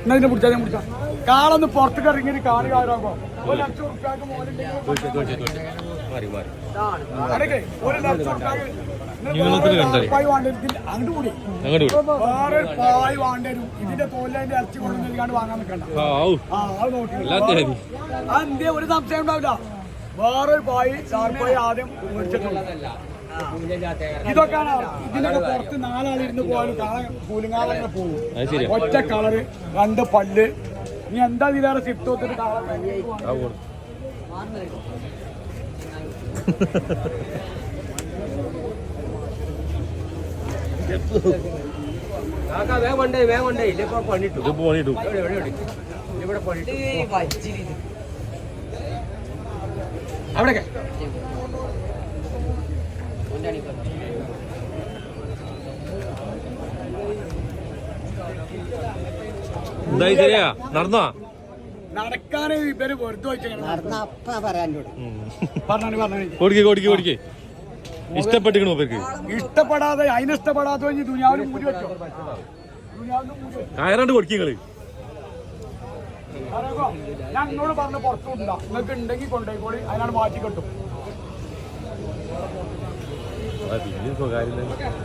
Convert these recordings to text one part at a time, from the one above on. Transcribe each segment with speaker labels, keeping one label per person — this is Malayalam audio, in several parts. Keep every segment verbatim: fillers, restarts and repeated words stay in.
Speaker 1: എന്നതിനെ പിടിച്ചാൽ ഞാൻ പിടിച്ചാൽ കാളൊന്ന് പുറത്തേക്ക് ഇറങ്ങി കാണി കാറാകുമ്പോ ഒരു ലക്ഷം ഉറുപ്പ്യാക്ക് മോലുണ്ടെങ്കിൽ ഒരു ലക്ഷം ഉറുപ്പ്യാക്ക് അങ്ങോട്ട് കൂടി വേറെ പായ് വേണ്ടരും ഇതിന്റെ തോലിന്റെ ഇറച്ചി കൊണ്ട് നൽകാണ്ട് വാങ്ങാൻ നിൽക്കണ്ട. ആ അത് നോക്കി അതെന്തേ ഒരു സംശയം ഉണ്ടാവില്ല. വേറൊരു പായ് ചാർപ്പായി ആദ്യം മേടിച്ചിട്ടുണ്ട്. ഇതൊക്കെയാണ് ഇതിനൊക്കെ പുറത്ത് നാലാളിരുന്ന് പോയാലും കാണാൻ കൂലിങ്ങാളങ്ങനെ പോകും. ഒറ്റ കളറ് രണ്ട് പല്ല്. നീ എന്താ ഇതിലേറെ സിഫ്റ്റ് ഒത്തിട്ട് കാണാൻ അവിടെ
Speaker 2: എന്തായി ശരിയാ നടന്നോ
Speaker 1: നടക്കാന് ഇവര് വെറുതെ
Speaker 2: കൊടുക്കി കൊടുക്കി കൊടുക്കി ഇഷ്ടപ്പെട്ടിക്കണോ ഇവർക്ക്
Speaker 1: ഇഷ്ടപ്പെടാതെ അതിനിഷ്ടപ്പെടാതെ ദുനിയാവിന് മൂടി വെച്ചോ
Speaker 2: കയറാണ്ട് കൊടുക്കിങ്ങള്
Speaker 1: ഞാൻ നിന്നോട് പറഞ്ഞ പുറത്തുണ്ടാ നിങ്ങൾക്ക് ഉണ്ടെങ്കിൽ കൊണ്ടുപോയിക്കോളി അതിനാണ് മാറ്റി കിട്ടും.
Speaker 2: പിന്നെ സ്വകാര്യം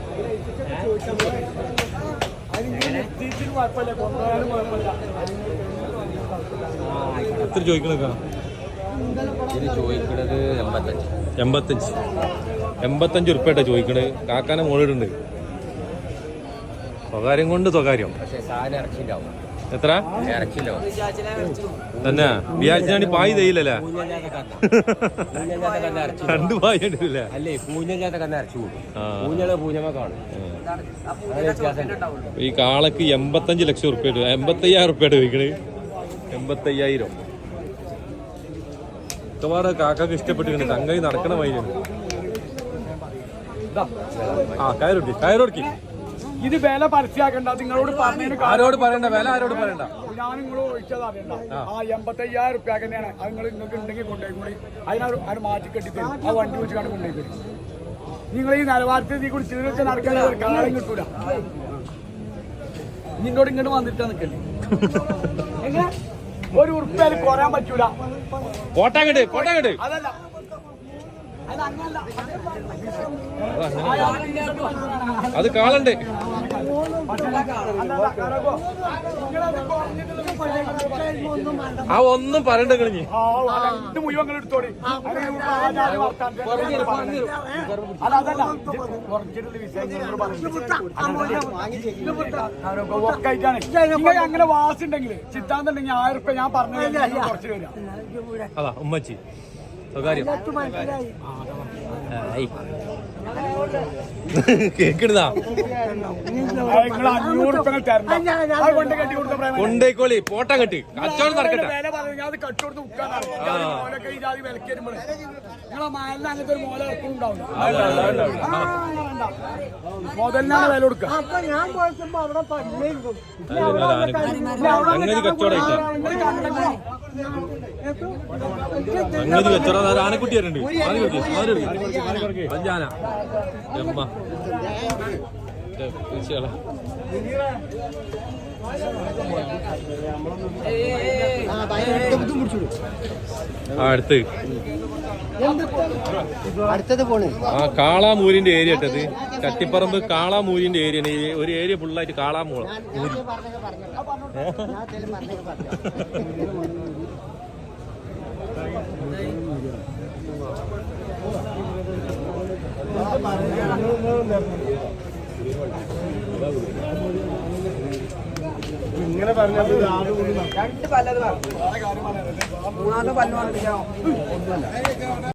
Speaker 2: എത്ര ചോദിക്കണക്കാ
Speaker 3: ചോദിക്കണത് എൺപത്തഞ്ച്
Speaker 2: എൺപത്തഞ്ച് എൺപത്തഞ്ച് ഉറുപ്പേട്ടാ ചോദിക്കണത്. കാക്കാനെ മോളിടുണ്ട്. സ്വകാര്യം കൊണ്ട് സ്വകാര്യം.
Speaker 3: പക്ഷേ സാധനം ഇറച്ചിണ്ടാവും.
Speaker 2: എത്ര
Speaker 3: ഇറച്ചിണ്ടാവും
Speaker 2: തന്നെ വിചാരിച്ചാണ് പായ് തയ്യില്ലല്ലേ രണ്ട് പായ് ഉണ്ടല്ലേ
Speaker 3: അല്ലേ പൂഞ്ഞല്ലാത്ത കന്ന് ഇറച്ചി കൂടും. പൂഞ്ഞള് പൂഞ്ഞമ കാണും.
Speaker 2: ഈ കാളക്ക് എൺപത്തഞ്ച് ലക്ഷം ഉറുപ്പ്യ എൺപത്തയ്യായിരം ഉറുപ്പ്യ ചോദിക്കണേ. എൺപത്തയ്യായിരം മിക്കവാറും കാക്കക്ക് ഇഷ്ടപ്പെട്ടിരിക്കുന്നത് തങ്ങി നടക്കണ വൈകാണ്. ആ കയറൊടുക്കി കയറൊടുക്കി
Speaker 1: ഇത് വില പരസ്യമാക്കണ്ട. നിങ്ങളോട് പറഞ്ഞതിന്
Speaker 2: ആരോട് പറയണ്ട വില ആരോട് പറയണ്ട.
Speaker 1: ഞാൻ നിങ്ങൾ ഒഴിച്ചത് അറിയണ്ട. ആ എൺപത്തയ്യായിരം റുപ്യ തന്നെയാണ്. അത് നിങ്ങൾ നിങ്ങൾക്ക് ഉണ്ടെങ്കിൽ കൊണ്ടുപോയിക്കൂടി. അതിനൊരു അത് മാറ്റി കെട്ടിത്തരും. ആ വണ്ടി വെച്ച് കണ്ട് കൊണ്ടുപോയിക്കൂടി. നിങ്ങൾ ഈ നിലവാരത്തിൽ നീ കൂടി ചീറി വെച്ച് നടക്കാൻ ഒരു കാലം കിട്ടൂല. നിന്നോട് ഇങ്ങോട്ട് വന്നിട്ടാ നിൽക്കല്ലേ എങ്ങനെ ഒരു ഉറുപ്പ്യ കുറയാൻ പറ്റൂല.
Speaker 2: പോട്ടാങ്ങട്ട് പോട്ടാങ്ങട്ട്
Speaker 1: അതല്ല
Speaker 2: അത് കാളുണ്ട്. ആ ഒന്നും പറയണ്ട കളിഞ്ഞ്
Speaker 1: മുഴുവൻ എടുത്തോടി. അങ്ങനെ വാസുണ്ടെങ്കിൽ ചിത്താന്നുണ്ടെങ്കിൽ ആയിരം റുപ്യ ഞാൻ പറഞ്ഞു കുറച്ച് വരാം.
Speaker 2: അതാ ഉമ്മച്ചി സ്വകാര്യം കേക്കണതാ കൊണ്ടേക്കോളി പോട്ട കെട്ടി കച്ചവടം നടക്കട്ടെ.
Speaker 1: മുതലിനാണ് വില കൊടുക്കുക.
Speaker 2: സംഗതി കച്ചവടം സംഗതി കച്ചവടം ആനക്കുട്ടി വരണ്ട് പഞ്ചാന എമ്മ അടുത്ത്
Speaker 4: അടുത്തത് പോണ്
Speaker 2: ആ കാളാമൂരിന്റെ ഏരിയ ഇട്ടത് ചട്ടിപ്പറമ്പ് കാളാമൂരിന്റെ ഏരിയ ഒരു ഏരിയ ഫുള്ളായിട്ട് കാളാമൂള മൂരി.
Speaker 1: ഇങ്ങനെ പറഞ്ഞത്
Speaker 4: രണ്ട് പല്ലത് മൂന്നാമത്തെ പല്ല്